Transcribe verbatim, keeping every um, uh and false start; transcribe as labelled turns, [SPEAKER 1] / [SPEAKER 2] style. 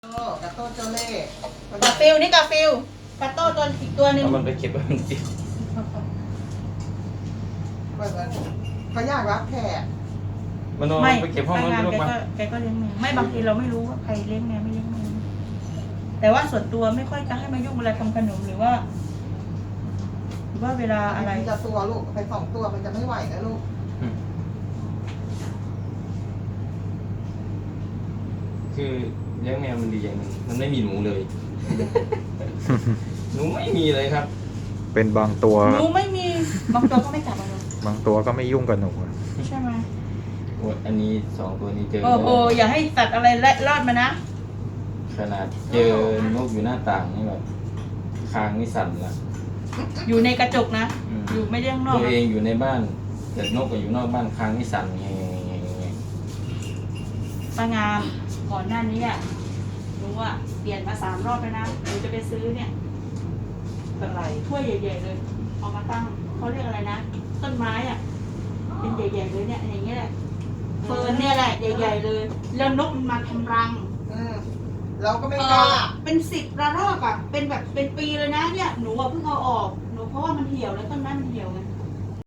[SPEAKER 1] โต้กระโต้เจ้าเล่ห์
[SPEAKER 2] กาฟิลนี่กาฟิลกาโต้ตัวอีกตัวหนึ่ง
[SPEAKER 3] เอามันไปเก็บไว้มันติด
[SPEAKER 1] เหมือนเขาอยากรับแขก
[SPEAKER 3] มันเอา
[SPEAKER 2] ไม่
[SPEAKER 3] ไปเก็บห้องนั้น
[SPEAKER 2] ทำงาน
[SPEAKER 3] ลูก
[SPEAKER 2] แก
[SPEAKER 3] มา
[SPEAKER 2] ก็แกก็เลี้ยงแมวไม่บางทีเราไม่รู้ว่าใครเลี้ยงแมวไม่เลี้ยงแมวแต่ว่าส่วนตัวไม่ค่อยจะให้มายุ่งเวลาทำขนมหรือว่าหรือว่าเวลาอะไร
[SPEAKER 1] มันจะตัวลูกไปสองตัวมันจะไม่ไหวนะลูก
[SPEAKER 3] อืมคือเลี้ยงแมวมันดีอย่างหนึงมันไม่มีหนูเลย หนูไม่มีเลยครับ
[SPEAKER 4] เป็นบางตัว
[SPEAKER 2] หนูไม่มีบางตัวก็ไม่จับมาเลย
[SPEAKER 4] บางตัวก็ไม่ยุ่งกับหนูอะ
[SPEAKER 2] ใช่ไหม
[SPEAKER 3] โอ้ยอันนี้สองตัวนี้เจอ
[SPEAKER 2] โอ้โหอย่าให้สัตว์อะไรเล็ดรอดมานะ
[SPEAKER 3] ขนาดเจอนกอยู่หน้าต่างนี่แบบคางนี่สั่นละ
[SPEAKER 2] อยู่ในกระจกนะ
[SPEAKER 3] อืม
[SPEAKER 2] อยู่ไม่ได้ข้างนอก
[SPEAKER 3] ตัว
[SPEAKER 2] นะ
[SPEAKER 3] เองอยู่ในบ้านแต่นกก็อยู่นอกบ้านคางนี่สั่นไง
[SPEAKER 2] ป้างามก่อนหน้านี้อ่ะหนูอ่ะเปลี่ยนมาสามรอบแล้วนะหนูจะไปซื้อเนี่ยแบบไรถ้วยใหญ่ๆเลยเอามาตั้งเขาเรียกอะไรนะต้นไม้อ่ะเป็นใหญ่ๆเลยเนี่ยอย่างเงี้ยแหละเฟิร์นเนี่ยแหละใหญ่ๆเลยแล้วนกมันมาทำรัง
[SPEAKER 1] อืมเราก็ไม่
[SPEAKER 2] เอก
[SPEAKER 1] ล้า
[SPEAKER 2] อเป็นสิบระลอกอ่ะเป็นแบบเป็นปีเลยนะเนี่ยหนูอ่ะเพิ่งเอาออกหนูเพราะว่ามันเหี่ยวแล้วต้นไม้มันเหี่ยวไง